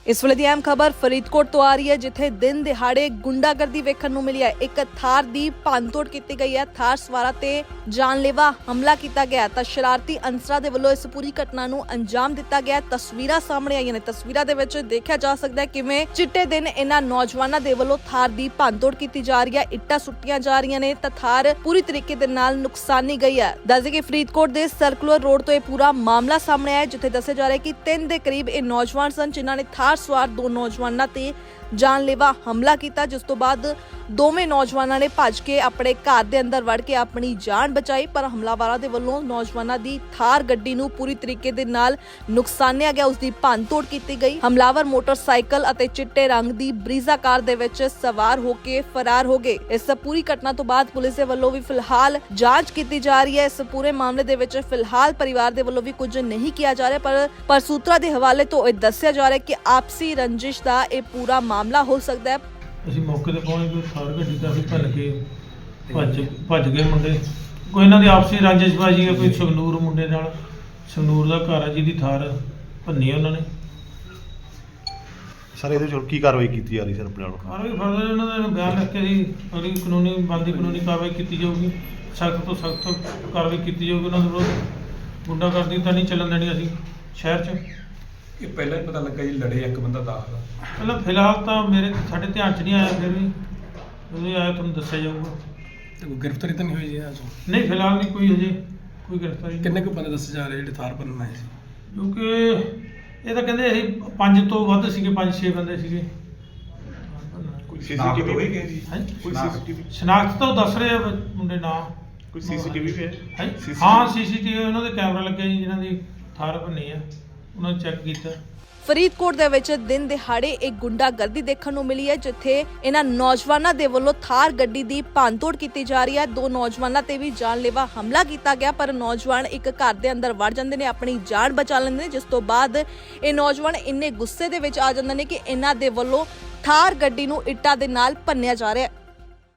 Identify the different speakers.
Speaker 1: इस वेले दी अहम खबर फरीदकोट तो आ रही है, जिथे दिन दिहाड़े गुंडागर्दी वेखण नूं मिली है। एक थार दी भंनतोड़ कीती गई है, थार सवारां ते जानलेवा हमला कीता गया तां शरारती अंसरां दे वल्लों इस पूरी घटना नूं अंजाम दिता गया। तस्वीरां सामने आईयां ने, तस्वीरां दे विच देखिया जा सकदा है किवें चिट्टे दिन इन्हां नौजवानां दे वल्लों थार दी भंनतोड़ कीती जा रही है, इट्टां सुट्टियां जा रहीआं ने तां थार पूरी तरीके दे नाल नुकसानी गई है। दस कि फरीदकोट दे सर्कुलर रोड तो यह पूरा मामला सामने आया, जिथे दस्सिया जा रहा है कि 3 ਦੇ करीब ਇਹ नौजवान सन जिन्हां ने थार सवार 2 नौजवानों ते जानलेवा हमला किया, जिस तो बाद दोवें नौजवानों ने भज के अपने घर के अंदर वड़ के अपनी जान बचाई। पर हमलावरां दे वल्लों नौजवानों की थार गड्डी नूं पूरी तरीके दे नाल नुकसानिया गया, उसकी भंनतोड़ की गई। हमलावर मोटरसाइकिल अते चिट्टे रंग की ब्रीजा कार दे विच सवार होके फरार हो गए। इस पूरी घटना तो बाद पुलिस दे वल्लों भी फिलहाल जांच की जा रही है। इस पूरे मामले दे विच फिलहाल परिवार दे वल्लों भी कुछ नहीं किया जा रहा, पर सूत्रा दे हवाले तो यह दस्सिया जा रहा है कि आपसी रंजिश का यह पूरा मामला हो सकता है।
Speaker 2: ਅਸੀਂ ਮੌਕੇ ਤੇ ਪਹੁੰਚ ਕੇ ਥਾਰ ਗੱਡੀ ਦਾ ਅਸੀਂ ਭੰਨ ਕੇ ਭੱਜ ਗਏ ਮੁੰਡੇ। ਕੋਈ ਇਹਨਾਂ ਦੀ ਆਪਸੀ ਰੰਜਿਸ਼ਬਾਜ਼ੀ ਹੈ, ਕੋਈ ਸੰਗਨੂਰ ਮੁੰਡੇ ਨਾਲ, ਸੰਗਨੂਰ ਦਾ ਘਰ ਹੈ ਜਿਹਦੀ ਥਾਰ ਭੰਨੀ ਉਹਨਾਂ ਨੇ।
Speaker 3: ਸਰ ਇਹਦੇ ਵਿੱਚ ਕੀ ਕਾਰਵਾਈ ਕੀਤੀ ਜਾ ਰਹੀ ਸਰ ਆਪਣੇ ਵੱਲੋਂ?
Speaker 2: ਵੀ ਫਰਦਰ ਇਹਨਾਂ ਦਾ ਬਿਆਨ ਲਿਖ ਕੇ ਅਸੀਂ ਅਗਲੀ ਕਾਨੂੰਨੀ ਬਣਦੀ ਕਾਨੂੰਨੀ ਕਾਰਵਾਈ ਕੀਤੀ ਜਾਊਗੀ, ਸਖਤ ਤੋਂ ਸਖਤ ਕਾਰਵਾਈ ਕੀਤੀ ਜਾਊਗੀ। ਉਹਨਾਂ ਦੇ ਵਿਰੁੱਧ ਗੁੰਡਾਗਰਦੀ ਤਾਂ ਨਹੀਂ ਚੱਲਣ ਦੇਣੀ ਅਸੀਂ ਸ਼ਹਿਰ 'ਚ।
Speaker 4: ਇਹ ਪਹਿਲਾਂ ਹੀ ਪਤਾ ਲੱਗਾ ਜੀ ਲੜੇ ਇੱਕ ਬੰਦਾ ਦਾਖਲ ਆ।
Speaker 2: ਪਹਿਲਾਂ ਫਿਲਹਾਲ ਤਾਂ ਸਾਡੇ ਧਿਆਨ 'ਚ ਨਹੀਂ ਆਇਆ, ਫਿਰ ਵੀ ਜਦੋਂ ਆਇਆ ਤੁਹਾਨੂੰ ਦੱਸਿਆ ਜਾਊਗਾ।
Speaker 4: ਤੇ ਕੋਈ ਗ੍ਰਿਫਤਾਰੀ ਤਾਂ ਨਹੀਂ ਹੋਈ ਜੀ ਅੱਜ?
Speaker 2: ਨਹੀਂ ਫਿਲਹਾਲ ਨਹੀਂ ਕੋਈ ਹਜੇ ਕੋਈ ਗ੍ਰਿਫਤਾਰੀ।
Speaker 4: ਕਿੰਨੇ ਕੁ ਬੰਦੇ ਦੱਸੇ ਜਾ ਰਹੇ ਜਿਹੜੇ ਥਾਰ ਭੰਨਣ ਆਏ ਸੀ?
Speaker 2: ਕਿਉਂਕਿ ਇਹ ਤਾਂ ਕਹਿੰਦੇ ਅਸੀਂ 5 ਤੋਂ ਵੱਧ ਸੀਗੇ, 5-6 ਬੰਦੇ ਸੀਗੇ।
Speaker 3: ਕੋਈ ਸੀਸੀਟੀਵੀ ਵੀ ਹੈ ਜੀ?
Speaker 2: ਹਾਂਜੀ,
Speaker 3: ਕੋਈ ਸੀਸੀਟੀਵੀ
Speaker 2: ਸ਼ਨਾਖਤ ਤਾਂ ਉਹ ਦੱਸ ਰਹੇ ਆ ਮੁੰਡੇ ਨਾਂ।
Speaker 3: ਕੋਈ ਸੀਸੀਟੀਵੀ ਵੀ ਹੈ?
Speaker 2: ਹਾਂਜੀ, ਹਾਂ ਸੀਸੀਟੀਵੀ ਉਹਨਾਂ ਦੇ ਕੈਮਰਾ ਲੱਗੇ ਜੀ, ਜਿਨ੍ਹਾਂ ਦੀ ਥਾਰ ਭੰਨੀ ਆ ਉਹਨਾਂ ਨੇ ਚੈੱਕ ਕੀਤਾ।
Speaker 1: ਫਰੀਦਕੋਟ ਦੇ ਵਿੱਚ ਦਿਨ ਦਿਹਾੜੇ ਇੱਕ ਗੁੰਡਾਗਰਦੀ ਦੇਖਣ ਨੂੰ ਮਿਲੀ ਹੈ, ਜਿੱਥੇ ਇਹਨਾਂ ਨੌਜਵਾਨਾਂ ਦੇ ਵੱਲੋਂ ਥਾਰ ਗੱਡੀ ਦੀ ਭੰਨਤੋੜ ਕੀਤੀ ਜਾ ਰਹੀ ਹੈ। 2 ਨੌਜਵਾਨਾਂ ਤੇ ਵੀ ਜਾਨਲੇਵਾ ਹਮਲਾ ਕੀਤਾ ਗਿਆ, ਪਰ ਨੌਜਵਾਨ ਇੱਕ ਘਰ ਦੇ ਅੰਦਰ ਵੜ ਜਾਂਦੇ ਨੇ, ਆਪਣੀ ਜਾਨ ਬਚਾ ਲੈਂਦੇ ਨੇ, ਜਿਸ ਤੋਂ ਬਾਅਦ ਇਹ ਨੌਜਵਾਨ ਇੰਨੇ ਗੁੱਸੇ ਦੇ ਵਿੱਚ ਆ ਜਾਂਦੇ ਨੇ ਕਿ ਇਹਨਾਂ ਦੇ ਵੱਲੋਂ ਥਾਰ ਗੱਡੀ ਨੂੰ ਇੱਟਾਂ ਦੇ ਨਾਲ ਭੰਨਿਆ ਜਾ ਰਿਹਾ ਹੈ।